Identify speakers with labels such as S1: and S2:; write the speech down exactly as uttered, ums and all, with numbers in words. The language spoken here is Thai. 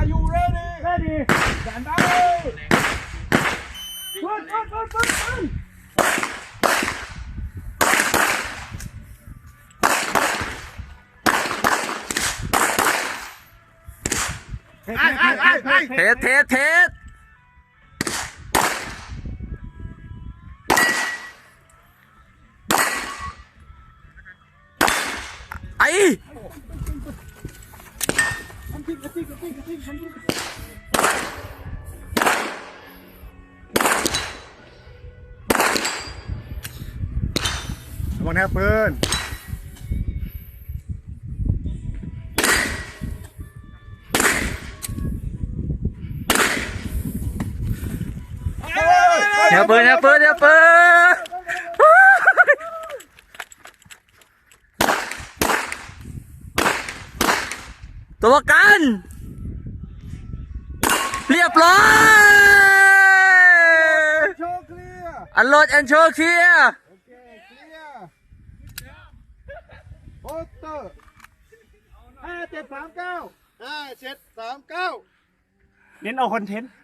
S1: you ready
S2: ready
S1: stand by
S2: ปืนปืนปืนปืนปืน
S1: ไอ้ไอ้ไอ้ไอ้
S3: เทสเทสเทสไอ้
S1: วันนี้ปืน
S3: อย่าเปิดอย่าเปิดอย่าเปิดตัวประกันเรียบร้อย
S1: โชว์เคลียร์
S3: อันโหลดแอนโชว์เคลียร์
S1: โอเคเคลียร์โปสเตอร์ห้าเจ็ดสามเก้าห้าเจ็ดสามเก้า
S2: เน้นเอาคอนเทนต์